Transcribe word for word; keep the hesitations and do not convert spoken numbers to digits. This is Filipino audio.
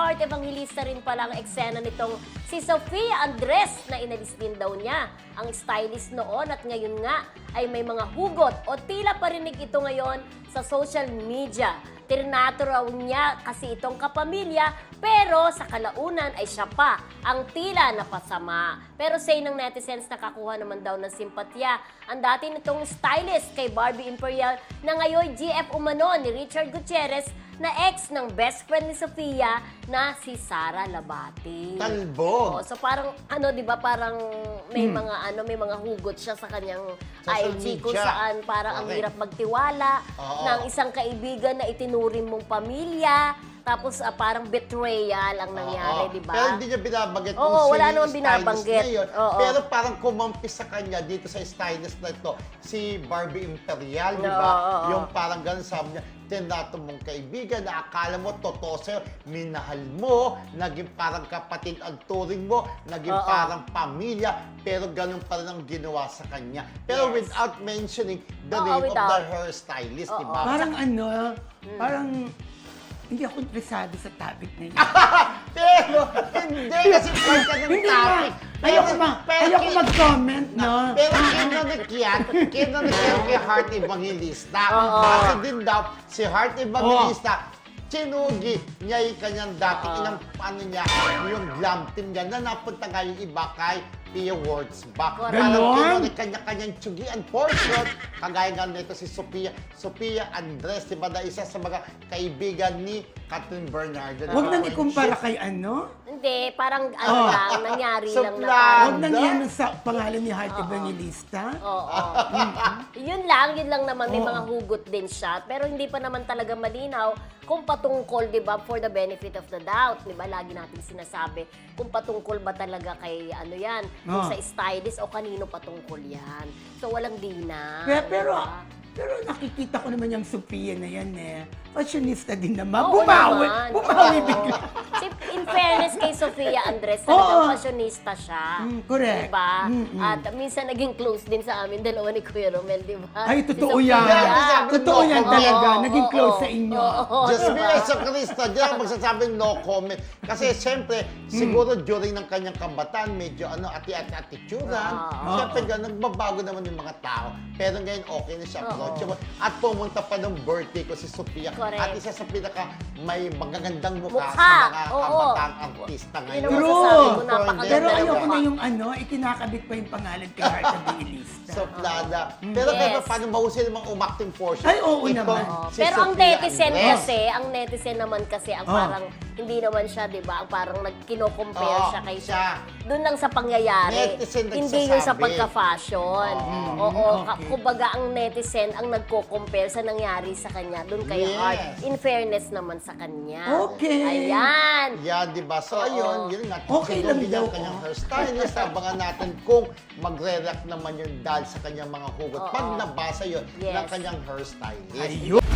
Heart Evangelista rin pala ang eksena nitong si Sofia Andres na inalis din daw niya ang stylist noon at ngayon nga ay may mga hugot o tila parinig ito ngayon sa social media. Trinato raw niya kasi itong kapamilya pero sa kalaunan ay siya pa ang tila napasama. Pero say ng netizens nakakuha naman daw ng simpatya ang dati nitong stylist kay Barbie Imperial na ngayon G F umano ni Richard Gutierrez na ex ng best friend ni Sofia na si Sara Labati. Talbog. Oo, so parang ano 'di ba parang may Hmm. mga ano may mga hugot siya sa kanyang Social I G kung media. saan parang ang Okay. hirap magtiwala Oo. ng isang kaibigan na itinuring mong pamilya. Tapos ah, parang betrayal ang nangyari, Oo. di ba? Pero hindi niya binabanggit Oo, kung wala sino namang yung binabanggit. stylist na yun. Oo. Pero parang kumampi sa kanya dito sa stylist na ito, si Barbie Imperial, di Oo, ba? oo. Yung parang ganun sabi niya, tinato mong kaibigan na akala mo totoo sa'yo, minahal mo, naging parang kapatid ang turing mo, naging Oo. parang pamilya, pero ganun pa rin ang ginawa sa kanya. Pero Yes. without mentioning the Oo, name of without. the hairstylist, di Oo. ba? Parang ano, parang hindi ako interesado sa topic na yun. Pero, hindi, kasi part ka ng Hindi nga. topic. Ayoko, ma pero ayoko kin- mag-comment, no? Pero kinanik yan, kinanik yan kay Heart Evangelista. Oo. Bakit din daw, si Heart Evangelista, sinugi niya yung kanyang dati, Oo. ilang ano niya, yung glam team niya, na napunta nga yung iba kay Pia Words back. Correct. Parang Ganon? kinunik kanya-kanyang tsugian portion, kagaya nga nito si Sophia, Sophia Andres, di ba na isa sa mga kaibigan ni Catherine Bernardo. Huwag nang ikumpara kay ano. Hindi, parang ano Oh. lang, nangyari lang na Supla. parang... Huwag nang yan sa pangalan ni Heart Evangelista. Oo. Yun lang, yun lang naman. May Oo. mga hugot din siya. Pero hindi pa naman talaga malinaw kung patungkol, di ba, for the benefit of the doubt. Di ba, lagi natin sinasabi kung patungkol ba talaga kay ano yan, kung Oo. sa stylist o kanino patungkol yan. So, walang dina. Pero, pero, diba? pero nakikita ko naman yung Sophia na yan eh. Fashionista din naman. Oo Bumawi. naman. Bumawi Oo. bigla. Si, in fairness kay Sofia Andres, Oo. talagang fashionista siya. Mm, correct. Diba? Mm-mm. At minsan naging close din sa amin, dalawa ni Kuya Romel, di ba? Ay, Si totoo Sofia. yan. Sabi, Totoo no yan comment. talaga. Oo, Naging oo, close oo. sa inyo. Oo, Just diba? be sa Krista, diyan magsasabing no comment. Kasi siyempre, siguro during ng kanyang kabataan, medyo ano, ati-ati attitudean. Oo. Siyempre, ganun, nagbabago naman yung mga tao. Pero ngayon, okay na siya. Oo. approachable. At pumunta pa ng birthday ko si Sophia. Correct. At isa sa pinaka may magagandang mukha, Mukha, sa mga oo. kabataang artista Yun ngayon. ang True. masasabi ko, True. napakaganda Pero ng ayoko mukha. na yung ano, ikinakabit pa yung pangalan kay Heart Evangelista. Soplada. Pero Yes. kahit paano mahusay namang umacting portion. Ay, oo Itong naman. si Pero ang Sophia netizen Andres. kasi, ang netizen naman kasi, ang Oh. parang, hindi naman siya, di ba? Ang parang nagkino-compare Oo, siya kay siya. Doon lang sa pangyayari. Netizen Hindi yun sa nagsasabi. pagka-fashion. Oo. okay. ka- Kumbaga, ang netizen ang nagko-compare sa nangyari sa kanya. Doon kay Yes. Heart. In fairness naman sa kanya. Okay. Ayan. Yeah, di ba? So, Oo. ayun, yun nga. Okay lang Sinubi niya daw, ang kanyang oh. hairstylist. Abangan natin kung magre-react naman yun dahil sa kanyang mga hugot. Oo. Pag nabasa yun Yes. ng kanyang hairstylist. Ayun.